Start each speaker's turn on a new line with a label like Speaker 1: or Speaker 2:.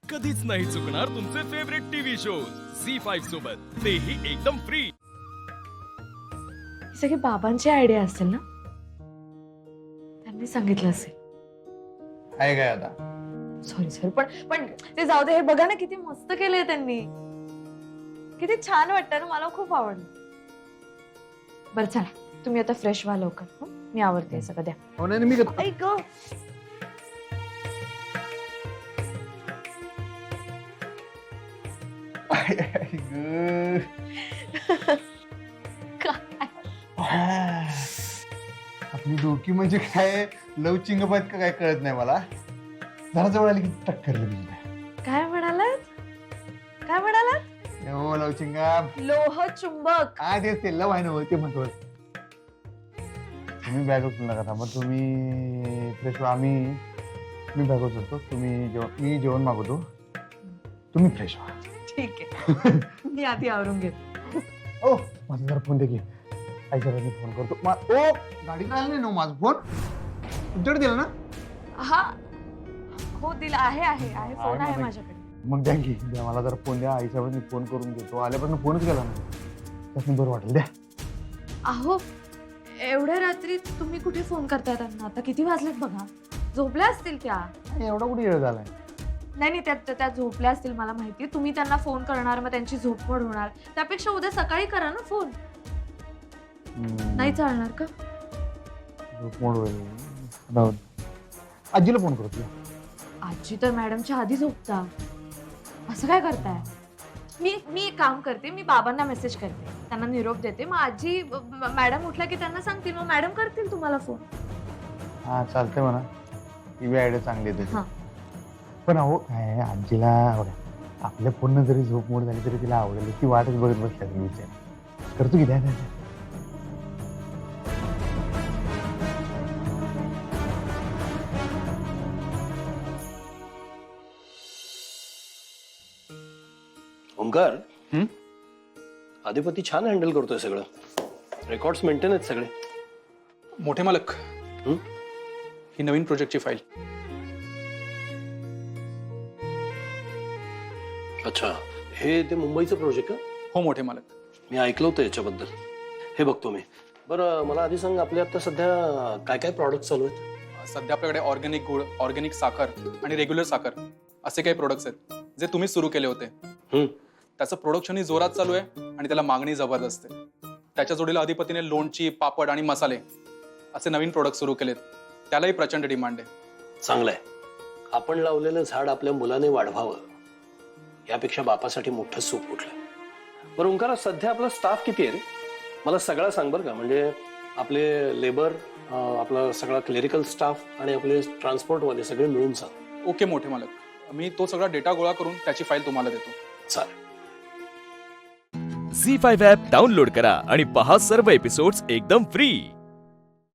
Speaker 1: कधीच नाही चुकणार तुमचे फेवरेट टीव्ही शोज झी5 सोबत, तेही एकदम फ्री।
Speaker 2: ही सगळी बाबांची आयडिया असेल ना, त्यांनी सांगितलं असेल।
Speaker 3: आहे काय आता?
Speaker 2: सॉरी पण ते जाऊ दे, हे बघा ना किती मस्त केलंय त्यांनी, किती छान वाटतं ना, मला खूप आवडलं। बरं चला, तुम्ही आता फ्रेश व्हा लवकर, हं? मी आवडते सगळं, द्या।
Speaker 3: हो नाही मी करतो.
Speaker 2: ऐक
Speaker 3: आपली डोकी म्हणजे काय लवचिंगपात का काय कळत नाही मला। जरा जवळ आली की टक्कर लगेच.
Speaker 2: काय म्हणालात? काय म्हणालात?
Speaker 3: हो लवचिंगा
Speaker 2: लोह चुंबक।
Speaker 3: तेच ते लव आहे ना, ते म्हणतो। तुम्ही बॅग उचलू नका, थांबा तुम्ही फ्रेश व्हा। मी बॅग उचलतो, मी जेवण मागवतो, तुम्ही फ्रेश व्हा।
Speaker 2: ठीक आहे, मी आधी आवरून घेते।
Speaker 3: ओ माझा जरा फोन दे की, आईच्यावर फोन करतो। ओ गाडीत आला नाही ना माझा फोन, तुमच्याकडे दिला ना?
Speaker 2: हा हो दिला आहे फोन आहे माझ्याकडे।
Speaker 3: मग द्या की, द्या मला जरा फोन द्या, आईच्यावर मी फोन करून घेतो। आल्यापासून फोनच केला नाही, त्यातून बरं वाटेल, द्या।
Speaker 2: अहो एवढ्या रात्री तुम्ही कुठे फोन करताय त्यांना? आता किती वाजलेत बघा, झोपल्या असतील त्या।
Speaker 3: एवढा कुठे वेळ झालाय?
Speaker 2: नाही त्या झोपल्या असतील, मला माहिती। तुम्ही त्यांना फोन करणार, मग त्यांची झोपमोड होणार, त्यापेक्षा उद्या सकाळी करा ना फोन। नाही चालणार का?
Speaker 3: झोपमोड होईल, राहू दे। आजीला फोन करतो।
Speaker 2: आजी तर मॅडमच्या आधी झोपता, असं काय करताय? मी एक काम करते, मी बाबांना मेसेज करते, त्यांना निरोप देते, मग आजी मॅडम उठल्या की त्यांना सांगतील, मग मॅडम करतील तुम्हाला फोन।
Speaker 3: हा चालतंय म्हणा, ही बी आयडिया चांगली आहे
Speaker 2: हा।
Speaker 3: तुझी। पण अहो काय आजीला बघा, आपल्या फोननं जरी झोपमोड झाली तरी तिला आवडेल, ती वाटच बघत बसल्या, मी विचार करतो की द्या।
Speaker 4: ओंकार, आधिपती छान हँडल करतोय सगळं, रेकॉर्ड्स मेंटेन आहेत सगळे।
Speaker 5: मोठे मालक, ही नवीन प्रोजेक्टची फाईल।
Speaker 4: अच्छा, हे ते मुंबईचं प्रोजेक्ट का?
Speaker 5: हो मोठे मालक,
Speaker 4: मी ऐकलं होतं याच्याबद्दल, हे बघतो मी। बरं मला आधी सांग, आपल्या आता सध्या काय काय प्रॉडक्ट चालू आहेत?
Speaker 5: सध्या आपल्याकडे ऑर्गॅनिक गुळ, ऑर्गॅनिक साखर आणि रेग्युलर साखर असे काही प्रोडक्ट्स आहेत जे तुम्ही सुरू केले होते। त्याचं प्रोडक्शनही जोरात चालू आहे आणि त्याला मागणी जबरदस्त आहे। त्याच्या जोडीला अधिपतीने लोणची, पापड आणि मसाले असे नवीन प्रोडक्ट सुरू केलेत, त्यालाही प्रचंड डिमांड आहे।
Speaker 4: चांगलं आहे, आपण लावलेलं झाड आपल्या मुलाने वाढवावं, यापेक्षा बापासाठी मोठं सुख कुठलं। बरं ओंकार, सध्या आपला स्टाफ किती आहे रे? मला सगळं सांग बरं का, म्हणजे आपले लेबर, आपला सगळा क्लेरिकल स्टाफ आणि आपले ट्रान्सपोर्टवाले सगळे मिळून सांग।
Speaker 5: ओके मोठे मालक, मी तो सगळा डेटा गोळा करून त्याची फाईल तुम्हाला देतो।
Speaker 4: चालेल।
Speaker 1: झी5 ॲप डाउनलोड करा आणि पहा सर्व एपिसोड्स एकदम फ्री।